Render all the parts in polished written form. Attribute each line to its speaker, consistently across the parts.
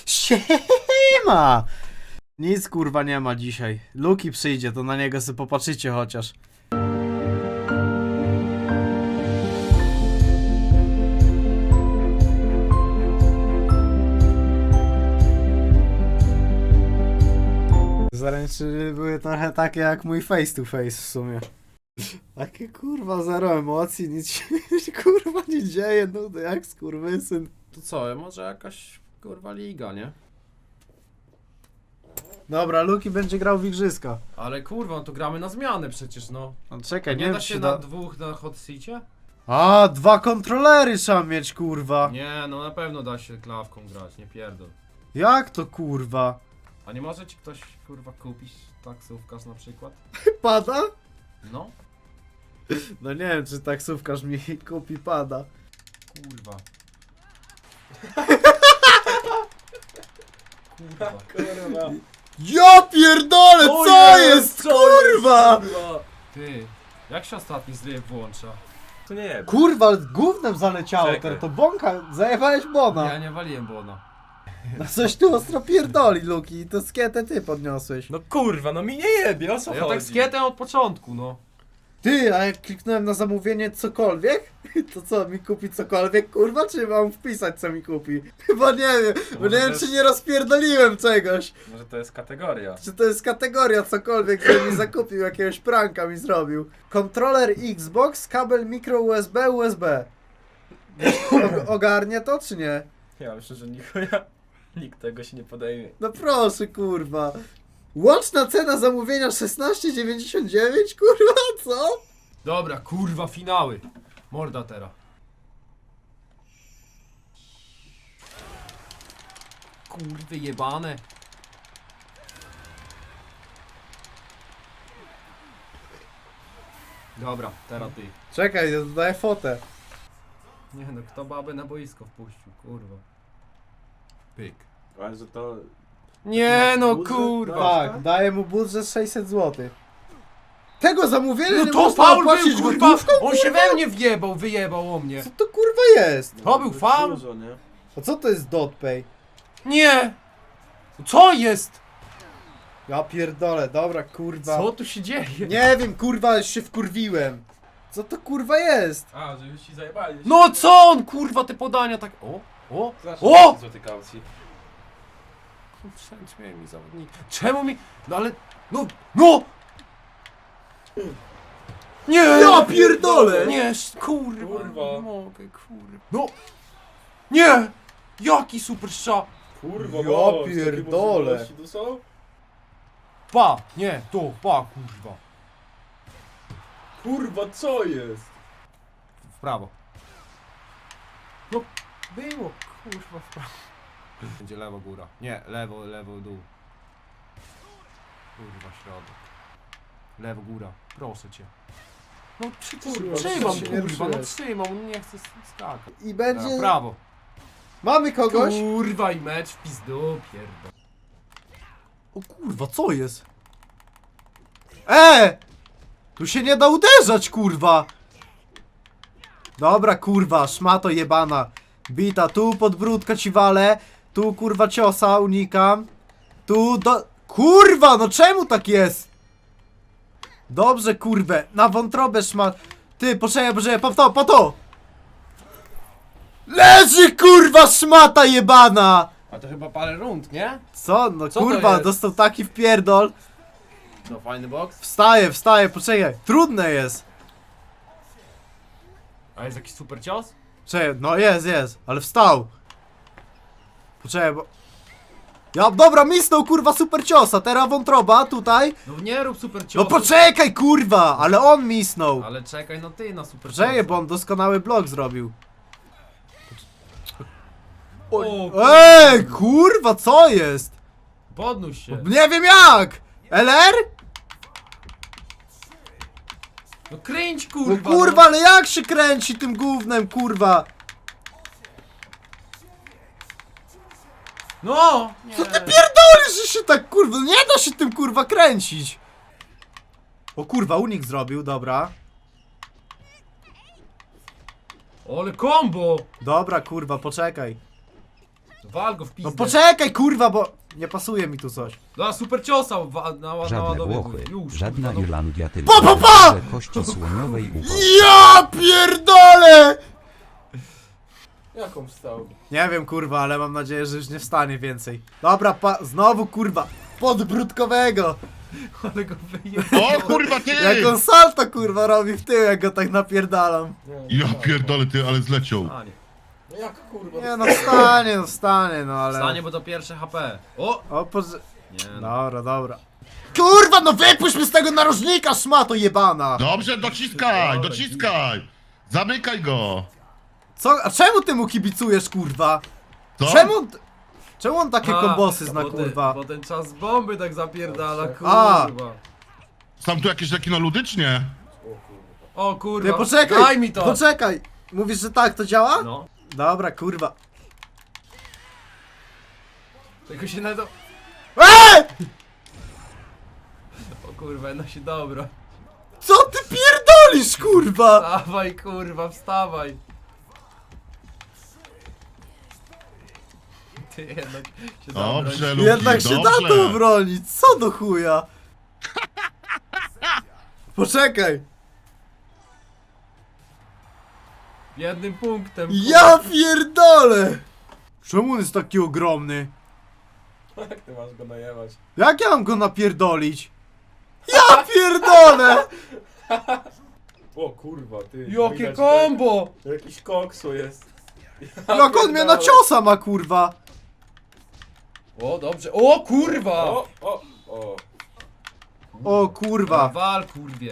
Speaker 1: Siema! Nic kurwa nie ma dzisiaj. Luki przyjdzie, to na niego sobie popatrzycie chociaż. Zaręczyny były trochę takie jak mój face to face w sumie. Takie kurwa zero emocji, nic się kurwa nie dzieje, nudy jak skurwysyn.
Speaker 2: To co, może jakaś kurwa liga, nie?
Speaker 1: Dobra, Luki będzie grał w igrzyska.
Speaker 2: Ale kurwa, no to gramy na zmianę przecież, no.
Speaker 1: No czekaj,
Speaker 2: Nie
Speaker 1: wiem,
Speaker 2: da
Speaker 1: czy
Speaker 2: się na dwóch na hot seacie?
Speaker 1: A, 2 kontrolery trzeba mieć, kurwa.
Speaker 2: Nie, no na pewno da się klawką grać, nie pierdol.
Speaker 1: Jak to kurwa?
Speaker 2: A nie może ci ktoś kurwa kupić taksówkarz na przykład?
Speaker 1: Pada?
Speaker 2: No,
Speaker 1: No nie wiem, czy taksówkarz mi kupi pada.
Speaker 2: kurwa. Kurwa.
Speaker 3: Kurwa.
Speaker 1: Ja pierdolę, co jest, kurwa?
Speaker 2: Ty, jak się ostatni zlew włącza?
Speaker 3: To nie jest.
Speaker 1: Kurwa, gównem zaleciało,
Speaker 3: Czekaj.
Speaker 1: to bąka, zajebałeś bona.
Speaker 2: Ja nie waliłem Bona.
Speaker 1: No coś tu ostro pierdoli, Luki, to skietę ty podniosłeś.
Speaker 3: No kurwa, no mi nie jebie, o co
Speaker 2: A ja
Speaker 3: chodzi?
Speaker 2: tak z kietem od początku, no.
Speaker 1: Ty, a jak kliknąłem na zamówienie cokolwiek, to co, mi kupi cokolwiek, kurwa, czy mam wpisać, co mi kupi? Chyba nie wiem, bo
Speaker 3: Może
Speaker 1: nie wiem,
Speaker 3: też-
Speaker 1: czy nie rozpierdoliłem czegoś.
Speaker 3: Może to jest kategoria.
Speaker 1: Czy to jest kategoria cokolwiek, że mi zakupił, jakiegoś pranka mi zrobił. Kontroler Xbox, kabel micro USB, USB. Ogarnie to, czy nie?
Speaker 3: Ja myślę, że nikt tego się nie podejmie.
Speaker 1: No proszę, kurwa. Łączna cena zamówienia 16,99, kurwa, co?
Speaker 2: Dobra, kurwa, finały. Morda teraz. Kurwy jebane. Dobra, teraz ty.
Speaker 1: Czekaj, ja dodaję fotę.
Speaker 2: Nie no, kto babę na boisko wpuścił, kurwa. Pyk.
Speaker 3: Ale że to...
Speaker 2: Nie no,
Speaker 3: budżet?
Speaker 2: kurwa.
Speaker 1: Tak, daję mu budżet 600 zł. Tego zamówienia
Speaker 2: No
Speaker 1: nie
Speaker 2: to
Speaker 1: można
Speaker 2: faul
Speaker 1: opłacić
Speaker 2: był, kurwa!
Speaker 1: gotówką?
Speaker 2: On się we mnie wyjebał o mnie.
Speaker 1: Co to kurwa jest?
Speaker 2: To był faul?
Speaker 3: Dużo, nie?
Speaker 1: A co to jest dotpay?
Speaker 2: Nie! Co jest?
Speaker 1: Ja pierdolę, dobra, kurwa.
Speaker 2: Co tu się dzieje?
Speaker 1: Nie wiem, kurwa, już się wkurwiłem. Co to kurwa jest?
Speaker 3: A, że już ci zajebali.
Speaker 2: No co on, kurwa, te podania tak... O!
Speaker 3: Zawsze
Speaker 2: O!
Speaker 3: złoty kaucji.
Speaker 2: Czemu mi zawodnik? Czemu mi... No ale... No! Nie!
Speaker 1: Ja pierdolę!
Speaker 2: Nie, kurwa,
Speaker 3: Kurwa.
Speaker 2: nie mogę, kurwa. No! Nie! Jaki super strzał!
Speaker 3: Kurwa,
Speaker 1: Ja
Speaker 3: bo,
Speaker 1: pierdolę.
Speaker 3: takie możliwości tu są?
Speaker 2: Pa! Nie, to, pa, kurwa.
Speaker 3: Kurwa, co jest?
Speaker 2: W prawo. No, było, kurwa, w prawo. Będzie lewo góra. Nie, lewo dół. Kurwa, środek. Lewo góra, proszę cię. No
Speaker 1: Kurwa,
Speaker 2: trzymam,
Speaker 1: się nie
Speaker 2: kurwa, no
Speaker 1: ruszyłeś.
Speaker 2: trzymam, nie chcę skakać.
Speaker 1: I
Speaker 2: Dobra,
Speaker 1: będzie...
Speaker 2: prawo.
Speaker 1: Mamy kogoś?
Speaker 2: Kurwa i mecz w pizdu, pierdol.
Speaker 1: O kurwa, co jest? Tu się nie da uderzać, kurwa! Dobra, kurwa, szmato jebana. Bita, tu podbródka ci walę. Tu, kurwa, ciosa, unikam. Tu do... Kurwa, no czemu tak jest? Dobrze, kurwę, na wątrobę szmat... Ty, poczekaj, po to! Leży, kurwa, szmata jebana!
Speaker 2: A to chyba parę rund, nie?
Speaker 1: Co? No
Speaker 2: Co to
Speaker 1: kurwa,
Speaker 2: jest?
Speaker 1: dostał taki wpierdol.
Speaker 2: No fajny boks.
Speaker 1: Wstaję, poczekaj. Trudne jest.
Speaker 2: A jest jakiś super cios?
Speaker 1: Czekaj, no jest, ale wstał. Poczekaj, bo... Ja, dobra, misnął, kurwa, super ciosa, teraz wątroba, tutaj.
Speaker 2: No nie rób super cios.
Speaker 1: No poczekaj, kurwa, ale on misnął.
Speaker 2: Ale czekaj, no ty na super
Speaker 1: Poczekaj,
Speaker 2: ciosa.
Speaker 1: bo on doskonały blok zrobił.
Speaker 2: O,
Speaker 1: Kurwa, co jest?
Speaker 2: podnóż się.
Speaker 1: Nie wiem jak! LR?
Speaker 2: No kręć,
Speaker 1: No
Speaker 2: kurwa.
Speaker 1: kurwa, ale jak się kręci tym gównem, kurwa?
Speaker 2: No! Nie.
Speaker 1: Co ty pierdolisz, że się tak, kurwa, nie da się tym, kurwa, kręcić. O kurwa, unik zrobił, dobra.
Speaker 2: Ale combo!
Speaker 1: Dobra, kurwa, poczekaj.
Speaker 3: Wal go w pizdę.
Speaker 1: No poczekaj, kurwa, bo nie pasuje mi tu coś.
Speaker 3: No, super ciosa
Speaker 4: Żadne
Speaker 3: naładowywuj.
Speaker 4: Włochy,
Speaker 3: Już,
Speaker 4: żadna
Speaker 3: kurwa, no.
Speaker 4: Irlandia, tylko
Speaker 1: Pa, pa, pa!
Speaker 4: że kości słoniowej ucho.
Speaker 1: Ja pierdolę!
Speaker 3: Jaką wstał?
Speaker 1: Nie wiem, kurwa, ale mam nadzieję, że już nie wstanie więcej. Dobra, znowu, kurwa, podbródkowego.
Speaker 3: Ale go wyjechał.
Speaker 5: O kurwa ty!
Speaker 1: Jak on salto, kurwa, robi w tył, jak go tak napierdalam.
Speaker 5: Ja pierdolę ty, ale zleciał.
Speaker 3: Stanie.
Speaker 6: No jak kurwa?
Speaker 1: Nie, no wstanie, no ale...
Speaker 3: Stanie, bo to pierwsze HP. O!
Speaker 1: O,
Speaker 3: Nie no.
Speaker 1: Dobra, dobra. Kurwa, no wypuść mnie z tego narożnika, szmato jebana!
Speaker 5: Dobrze, dociskaj, dociskaj! Zamykaj go!
Speaker 1: Co? A czemu ty mu kibicujesz, kurwa?
Speaker 5: Co?
Speaker 1: Czemu on takie kombosy zna,
Speaker 3: bo
Speaker 1: kurwa?
Speaker 3: Bo ten czas bomby tak zapierdala,
Speaker 1: A.
Speaker 3: kurwa.
Speaker 5: Są tu jakieś takie ludycznie?
Speaker 3: O
Speaker 1: Ty,
Speaker 3: kurwa,
Speaker 1: poczekaj!
Speaker 3: daj mi to!
Speaker 1: Poczekaj! Mówisz, że tak to działa?
Speaker 3: No.
Speaker 1: Dobra, kurwa.
Speaker 3: Tylko się na to...
Speaker 1: Eee!
Speaker 3: O kurwa, no się dobro.
Speaker 1: Co ty pierdolisz, kurwa?
Speaker 3: Wstawaj kurwa, wstawaj. Ty jednak się
Speaker 5: Dobrze,
Speaker 3: dobro.
Speaker 5: Luki,
Speaker 1: Jednak się da
Speaker 5: dobrze.
Speaker 1: to obronić, co do chuja? Poczekaj!
Speaker 3: Jednym punktem.
Speaker 1: Ja pierdolę! Czemu on jest taki ogromny?
Speaker 6: Jak ty masz go najebać?
Speaker 1: Jak ja mam go napierdolić? Ja pierdolę!
Speaker 6: O kurwa, ty.
Speaker 3: Jakie
Speaker 6: widać,
Speaker 3: kombo!
Speaker 6: to jakiś koksu jest.
Speaker 1: Jak on mnie na ciosa ma, kurwa?
Speaker 3: O dobrze, o kurwa!
Speaker 6: O.
Speaker 1: O kurwa.
Speaker 3: Wal kurwie.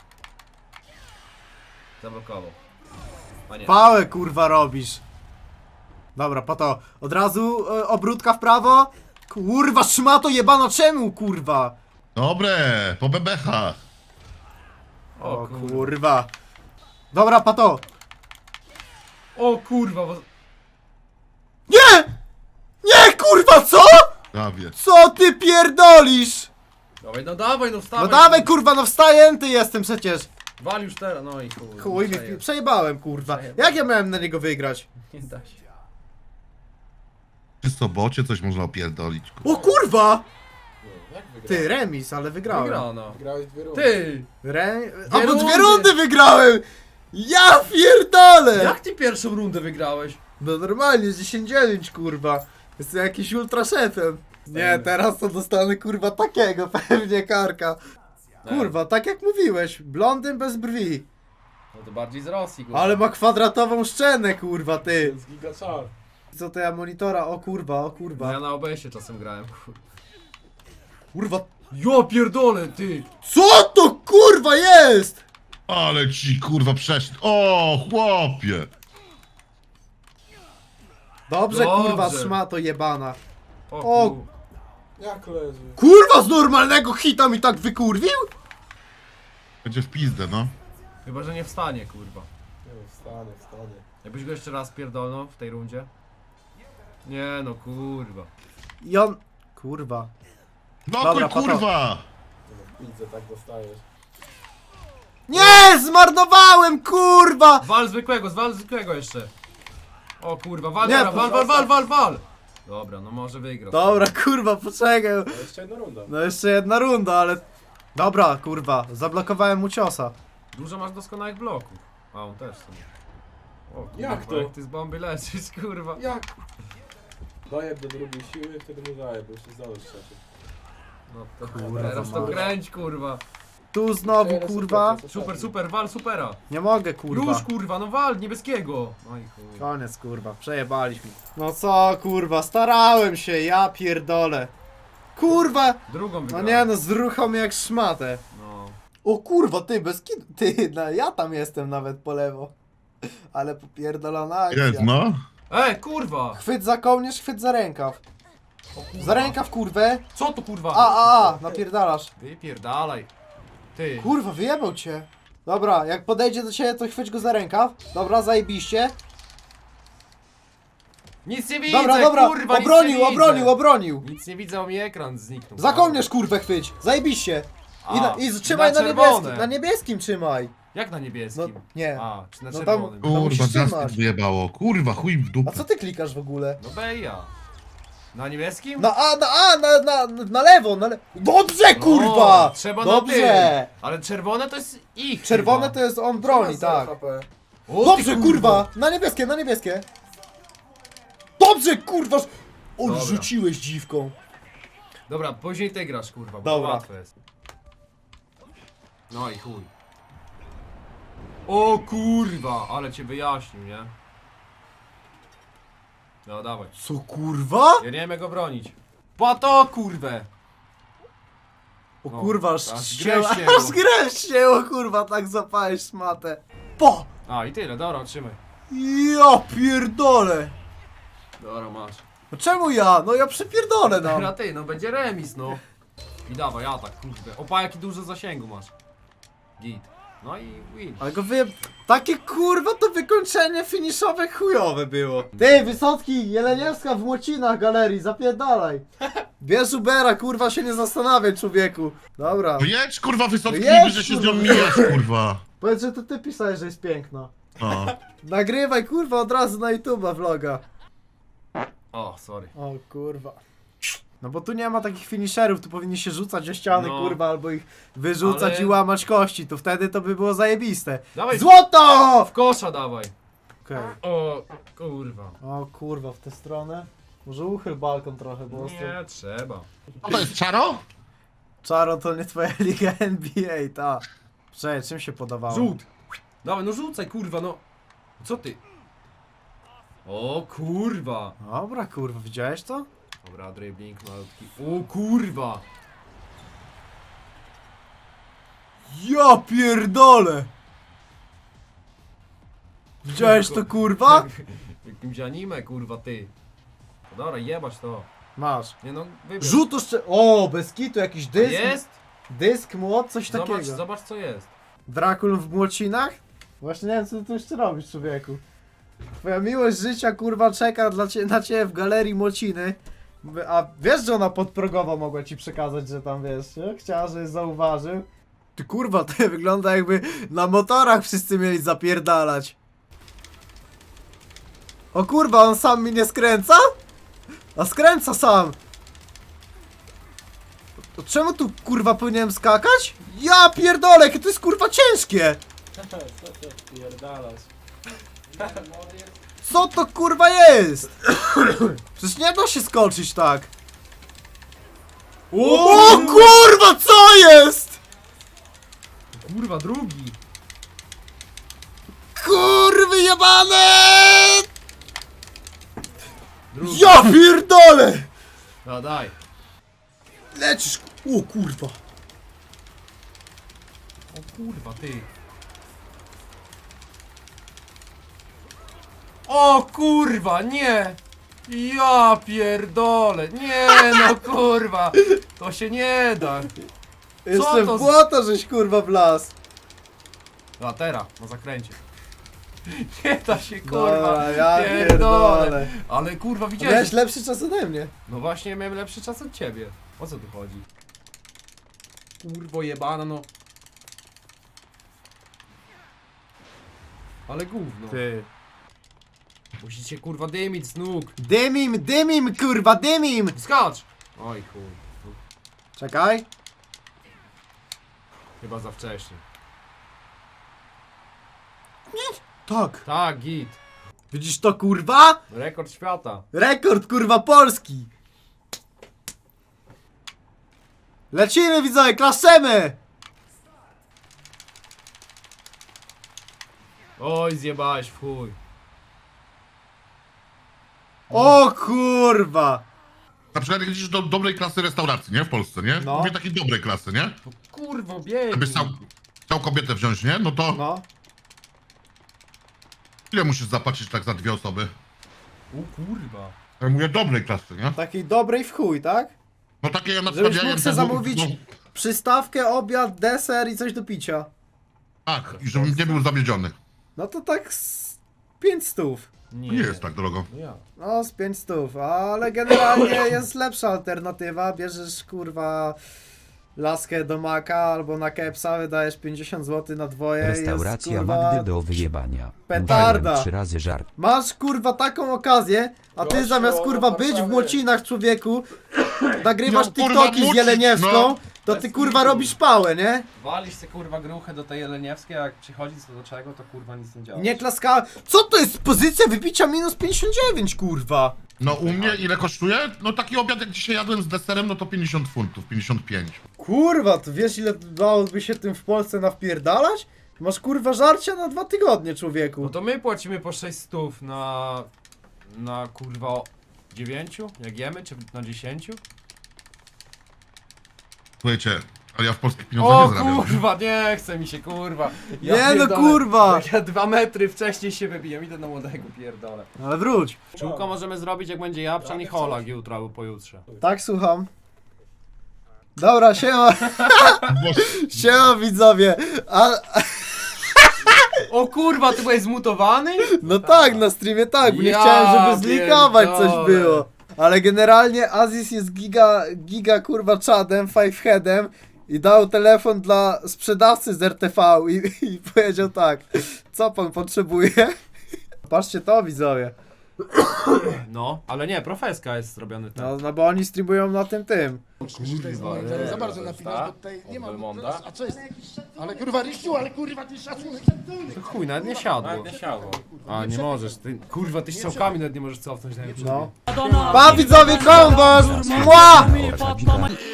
Speaker 3: Zablokował. A nie.
Speaker 1: Pałę, kurwa, robisz. Dobra, pato. Od razu obrótka w prawo. Kurwa, szmato jebana, czemu, kurwa?
Speaker 5: Dobre, po bebechach.
Speaker 1: O kurwa. Dobra, pato.
Speaker 3: O kurwa, bo...
Speaker 1: Nie! Nie, kurwa, co?
Speaker 5: Prawie.
Speaker 1: Co ty pierdolisz?
Speaker 3: Dawaj, no dawaj, no wstawaj.
Speaker 1: No dawaj, kurwa, no wstajęty jestem przecież.
Speaker 3: Wal już teraz, no i chuj.
Speaker 1: Chuj,
Speaker 3: Przeje-
Speaker 1: przejebałem, kurwa.
Speaker 3: Przejebałem.
Speaker 1: Jak ja miałem na niego wygrać?
Speaker 3: Nie da się.
Speaker 5: Przy sobocie coś można opierdolić.
Speaker 1: O kurwa!
Speaker 6: Jak wygrał?
Speaker 1: Ty, remis, ale wygrałem.
Speaker 3: Wygrano.
Speaker 6: Grałeś 2 rundy.
Speaker 3: Ty!
Speaker 1: A bo
Speaker 3: rundy.
Speaker 1: 2 rundy wygrałem! Ja pierdolę!
Speaker 3: Jak ty pierwszą rundę wygrałeś?
Speaker 1: No normalnie, z 10-9, kurwa. Jestem jakiś ultra szefem. Nie, teraz to dostanę, kurwa, takiego, pewnie karka. Kurwa, tak jak mówiłeś, blondyn bez brwi.
Speaker 3: No to bardziej z Rosji, kurwa.
Speaker 1: Ale ma kwadratową szczenę, kurwa,
Speaker 6: To
Speaker 1: ty.
Speaker 6: jest gigaczar.
Speaker 1: Co to ja monitora? O kurwa, o
Speaker 3: No ja
Speaker 1: kurwa.
Speaker 3: na OBS-ie czasem grałem, kurwa.
Speaker 1: Kurwa.
Speaker 3: Ja pierdolę, ty!
Speaker 1: Co to kurwa jest?
Speaker 5: Ale ci kurwa przeszedł. O, chłopie.
Speaker 1: Dobrze, kurwa,
Speaker 3: Dobrze.
Speaker 1: szmato jebana.
Speaker 3: O,
Speaker 1: O.
Speaker 3: kur-
Speaker 6: Jak leży?
Speaker 1: Kurwa, z normalnego hita mi tak wykurwił?
Speaker 5: Będzie w pizdę, no.
Speaker 3: Chyba, że nie wstanie, kurwa.
Speaker 6: Nie wiem, wstanie.
Speaker 3: Jakbyś go jeszcze raz pierdolnął w tej rundzie? Nie no, kurwa.
Speaker 1: I on... Kurwa.
Speaker 5: No
Speaker 1: Dobra,
Speaker 5: kurwa.
Speaker 6: Widzę, tak dostajesz.
Speaker 1: Nie, zmarnowałem, kurwa!
Speaker 3: Wal zwykłego jeszcze. O kurwa, wal,
Speaker 1: Nie,
Speaker 3: dobra, wal! Dobra, no może wygrał.
Speaker 1: Dobra, kurwa, poczekaj.
Speaker 6: No jeszcze jedna runda.
Speaker 1: No jeszcze jedna runda, ale... Dobra, kurwa, zablokowałem mu ciosa.
Speaker 3: Dużo masz doskonałych bloków. A on też sobie. O kurwa,
Speaker 6: Jak to?
Speaker 3: jak ty z bomby leczysz, kurwa.
Speaker 6: Jak? Dajeb do drugiej siły, wtedy mu daję, bo już się zdążysz trzeci.
Speaker 3: No to
Speaker 1: Kurwa,
Speaker 3: teraz to
Speaker 1: mać.
Speaker 3: kręć, kurwa.
Speaker 1: Tu znowu, kurwa.
Speaker 3: Super, wal supera.
Speaker 1: Nie mogę, kurwa.
Speaker 3: Już kurwa, no wal, niebieskiego. No i chuj.
Speaker 1: Koniec, kurwa, przejebaliśmy. No co, kurwa, starałem się, ja pierdolę. Kurwa!
Speaker 3: Drugą
Speaker 1: No
Speaker 3: wygrałem.
Speaker 1: nie no, zruchał mnie jak szmatę.
Speaker 3: No.
Speaker 1: O kurwa, ty, bez kitu. Ty, no, ja tam jestem nawet po lewo. Ale popierdolona akcja.
Speaker 5: Jest, no.
Speaker 3: Kurwa!
Speaker 1: Chwyt za kołnierz, chwyt za rękaw.
Speaker 3: O, kurwa.
Speaker 1: Za rękaw, kurwę.
Speaker 3: Co to kurwa?
Speaker 1: Napierdalasz.
Speaker 3: Wypierdalaj. Ty.
Speaker 1: Kurwa, wyjebał cię. Dobra, jak podejdzie do ciebie, to chwyć go za rękaw. Dobra, zajebiście.
Speaker 3: Nic nie widzę,
Speaker 1: Dobra,
Speaker 3: kurwa,
Speaker 1: obronił,
Speaker 3: nic nie widzę.
Speaker 1: obronił.
Speaker 3: Nic nie widzę, bo mi ekran zniknął.
Speaker 1: Za kołnierz, kurwę, chwyć. Zajebiście. I trzymaj na
Speaker 3: czerwone.
Speaker 1: niebieskim. Na niebieskim trzymaj.
Speaker 3: Jak na
Speaker 1: No,
Speaker 3: niebieskim?
Speaker 1: nie.
Speaker 3: A, czy na
Speaker 1: No tam-
Speaker 3: czerwonym?
Speaker 1: To musisz
Speaker 5: Kurwa,
Speaker 1: trzymać.
Speaker 5: jasny wyjebało. Kurwa, chuj w
Speaker 1: A
Speaker 5: dupę.
Speaker 1: co ty klikasz w ogóle?
Speaker 3: No beja. Na niebieskim?
Speaker 1: Na lewo, na lewo. Dobrze, kurwa!
Speaker 3: Trzeba na
Speaker 1: Dobrze!
Speaker 3: tym. Ale czerwone to jest ich.
Speaker 1: Czerwone
Speaker 3: chyba.
Speaker 1: to jest on broni, tak.
Speaker 6: HP.
Speaker 3: O, ty
Speaker 1: Dobrze, kurwa! Na niebieskie, na niebieskie! Dobrze, kurwa! O,
Speaker 3: Dobra.
Speaker 1: rzuciłeś dziwką.
Speaker 3: Dobra, później ty grasz, kurwa, bo
Speaker 1: Dobra.
Speaker 3: to łatwe jest. No i chuj. O kurwa, ale cię wyjaśnił, nie? No dawaj.
Speaker 1: Co, kurwa?
Speaker 3: Ja nie wiem go bronić. Po to kurwę!
Speaker 1: O
Speaker 3: No,
Speaker 1: kurwa, aż
Speaker 3: aż
Speaker 1: ścięło,
Speaker 3: grę ścięło.
Speaker 1: aż grę ścięło, kurwa, tak zapałeś szmatę. Po!
Speaker 3: A i tyle, dobra, trzymaj.
Speaker 1: Ja pierdolę!
Speaker 3: Dobra, masz.
Speaker 1: No czemu ja? No ja przypierdolę
Speaker 3: Dobra,
Speaker 1: nam.
Speaker 3: ty, no będzie remis, no. I dawaj, atak, kurde. Opa, jaki duży zasięgu masz. Git. No i win.
Speaker 1: Ale go takie kurwa to wykończenie finiszowe chujowe było. Ty, Wysocki, Jeleniewska w Młocinach galerii, zapierdalaj. Bierz Ubera, kurwa się nie zastanawiaj, człowieku. Dobra.
Speaker 5: No jedź, kurwa, Wysocki,
Speaker 1: No jedź,
Speaker 5: niby, że się z nią
Speaker 1: kurwa.
Speaker 5: mijesz, kurwa.
Speaker 1: Powiedz, że to ty pisałeś, że jest piękna.
Speaker 5: No.
Speaker 1: Nagrywaj, kurwa, od razu na YouTube'a vloga.
Speaker 3: O, sorry.
Speaker 1: O kurwa. No bo tu nie ma takich finisherów, tu powinni się rzucać o ściany,
Speaker 3: No.
Speaker 1: kurwa, albo ich wyrzucać
Speaker 3: Ale-
Speaker 1: i łamać kości, to wtedy to by było zajebiste.
Speaker 3: Dawaj,
Speaker 1: Złoto!
Speaker 3: w kosza dawaj.
Speaker 1: Okej.
Speaker 3: O, kurwa.
Speaker 1: O kurwa, w tę stronę. Może uchyl balkon trochę, bo ostro.
Speaker 3: Nie trzeba.
Speaker 5: Co to jest, czaro?
Speaker 1: Czaro to nie twoja liga NBA, ta. Czekaj, czym się podawało?
Speaker 3: Rzut! Dawaj, no rzucaj, kurwa, no. Co ty? O, kurwa.
Speaker 1: Dobra, kurwa, widziałeś to?
Speaker 3: Dobra, dribbling malutki. O, kurwa.
Speaker 1: Ja pierdolę! Widziałeś to, kurwa?
Speaker 3: Jakimś anime, kurwa, ty. No dobra, jebać to.
Speaker 1: Masz.
Speaker 3: Nie no, wybierz.
Speaker 1: Rzut jeszcze... O, bez kitu, jakiś dysk.
Speaker 3: Jest?
Speaker 1: Dysk, młot, coś takiego.
Speaker 3: Zobacz co jest.
Speaker 1: Drakul w Młocinach? Właśnie nie wiem, co ty tu jeszcze robisz, człowieku. Twoja miłość życia, kurwa, czeka na ciebie w galerii Młociny. A wiesz, że ona podprogowo mogła ci przekazać, że tam, wiesz, nie? Chciała, żebyś zauważył. Ty, kurwa, to wygląda jakby na motorach wszyscy mieli zapierdalać. O kurwa, on sam mi nie skręca? A skręca sam! To czemu tu, kurwa, powinienem skakać? Ja pierdolę, jakie to jest, kurwa, ciężkie!
Speaker 6: Co ty pierdalasz?
Speaker 1: Co to, kurwa, jest? Przecież nie da się skoczyć tak. O kurwa, co jest?
Speaker 3: Kurwa, drugi.
Speaker 1: Kurwy jebane!
Speaker 3: Drugi.
Speaker 1: Ja pierdolę!
Speaker 3: No daj.
Speaker 1: Lecisz, o kurwa.
Speaker 3: O kurwa, ty. O kurwa, nie! Ja pierdolę, nie no kurwa! To się nie da!
Speaker 1: Jeszcze
Speaker 3: to
Speaker 1: w
Speaker 3: z-
Speaker 1: błoto żeś, kurwa, wlazł.
Speaker 3: A teraz, na zakręcie. Nie da się kurwa!
Speaker 1: Dobra, ja
Speaker 3: pierdolę.
Speaker 1: pierdolę.
Speaker 3: Ale kurwa,
Speaker 1: Miałeś
Speaker 3: widziałeś?
Speaker 1: lepszy czas ode mnie.
Speaker 3: No właśnie, miałem lepszy czas od ciebie. O co tu chodzi? Kurwo jebana, no. Ale gówno.
Speaker 1: Ty.
Speaker 3: Musicie kurwa dymić z nóg.
Speaker 1: Dymim, kurwa, dymim!
Speaker 3: Skacz! Oj chuj.
Speaker 1: Czekaj.
Speaker 3: Chyba za wcześnie.
Speaker 1: Tak.
Speaker 3: Tak, git.
Speaker 1: Widzisz to, kurwa?
Speaker 3: Rekord świata.
Speaker 1: Rekord, kurwa, Polski! Lecimy, widzowie, klaszemy!
Speaker 3: Oj, zjebałeś w chuj.
Speaker 1: O kurwa!
Speaker 5: Na przykład jak idziesz do dobrej klasy restauracji, nie? W Polsce, nie?
Speaker 1: No.
Speaker 5: Mówię takiej dobrej klasy, nie?
Speaker 3: No kurwo, bieg.
Speaker 5: Jakbyś chciał kobietę wziąć, nie? No to
Speaker 1: No.
Speaker 5: ile musisz zapłacić tak za 2 osoby?
Speaker 3: O kurwa.
Speaker 5: Ja mówię dobrej klasy, nie?
Speaker 1: Takiej dobrej w chuj, tak?
Speaker 5: No takie ja na
Speaker 1: Żebyś
Speaker 5: przykład...
Speaker 1: mógł
Speaker 5: ja-
Speaker 1: sobie
Speaker 5: no,
Speaker 1: zamówić
Speaker 5: no,
Speaker 1: przystawkę, obiad, deser i coś do picia.
Speaker 5: tak, i żebym nie był zawiedziony.
Speaker 1: No to tak z 500.
Speaker 5: Nie jest tak drogo.
Speaker 3: No ja.
Speaker 1: No z 500, ale generalnie jest lepsza alternatywa. Bierzesz, kurwa, laskę do Maka albo na Kepsa, wydajesz 50 zł na dwoje.
Speaker 4: Restauracja
Speaker 1: jest, kurwa,
Speaker 4: Magdy do wyjebania.
Speaker 1: petarda.
Speaker 4: Mówiłem 3 razy żart.
Speaker 1: Masz kurwa taką okazję, a ty
Speaker 6: Gościu,
Speaker 1: zamiast kurwa
Speaker 6: no,
Speaker 1: być w
Speaker 6: Warszawy.
Speaker 1: Młocinach, człowieku, nagrywasz
Speaker 5: No, kurwa,
Speaker 1: TikToki z
Speaker 5: Młocin,
Speaker 1: Jeleniewską,
Speaker 5: no.
Speaker 1: to ty kurwa robisz pałę, nie?
Speaker 3: Walisz se kurwa gruchę do tej Jeleniewskiej, a jak przychodzi co do czego, to kurwa nic nie działa.
Speaker 1: Nie klaskałem. Co to jest pozycja wybicia minus 59, kurwa?
Speaker 5: No u mnie ile kosztuje? No taki obiad jak dzisiaj jadłem z deserem, no to 50 funtów, 55.
Speaker 1: Kurwa, to wiesz ile dałoby się tym w Polsce nawpierdalać? Masz kurwa żarcia na 2 tygodnie,
Speaker 3: No
Speaker 1: człowieku.
Speaker 3: to my płacimy po 600 na kurwa 9, jak jemy, czy na 10?
Speaker 5: Słuchajcie, ale ja w polskich pieniądzach
Speaker 3: O
Speaker 5: nie zarabiam.
Speaker 3: kurwa, nie chce mi się kurwa.
Speaker 1: Nie no,
Speaker 3: pierdolę.
Speaker 1: kurwa.
Speaker 3: Jak ja 2 metry wcześniej się wybiję, idę na młodego, pierdolę.
Speaker 1: Ale wróć.
Speaker 3: Czółko możemy zrobić jak będzie Japczan i Holak jutro albo pojutrze.
Speaker 1: Tak, słucham. Dobra, siema,
Speaker 5: Boże,
Speaker 1: siema widzowie.
Speaker 3: O kurwa, ty byłeś zmutowany?
Speaker 1: No tak, na streamie tak, bo nie
Speaker 3: Ja
Speaker 1: chciałem, żeby zlikować coś
Speaker 3: pierdolę.
Speaker 1: było. Ale generalnie Aziz jest giga kurwa czadem, fiveheadem i dał telefon dla sprzedawcy z RTV i powiedział tak, co pan potrzebuje? Patrzcie to, widzowie.
Speaker 3: No, ale nie, profeska jest zrobiony ten.
Speaker 1: No bo oni streamują na tym.
Speaker 3: Kurwa,
Speaker 7: Za bardzo napinasz, bo tutaj nie ma...
Speaker 3: Belmonda?
Speaker 7: A co jest? Ale kurwa Ryściu, ale kurwa ty szacunek.
Speaker 3: To chuj, nawet nie siadło.
Speaker 6: Nie siadło.
Speaker 3: A, nie możesz, ty, kurwa, ty strzałkami nawet nie możesz cofnąć na YouTube.
Speaker 1: No. Pa widzowie, kombos! Mła!
Speaker 4: Prawdziwa.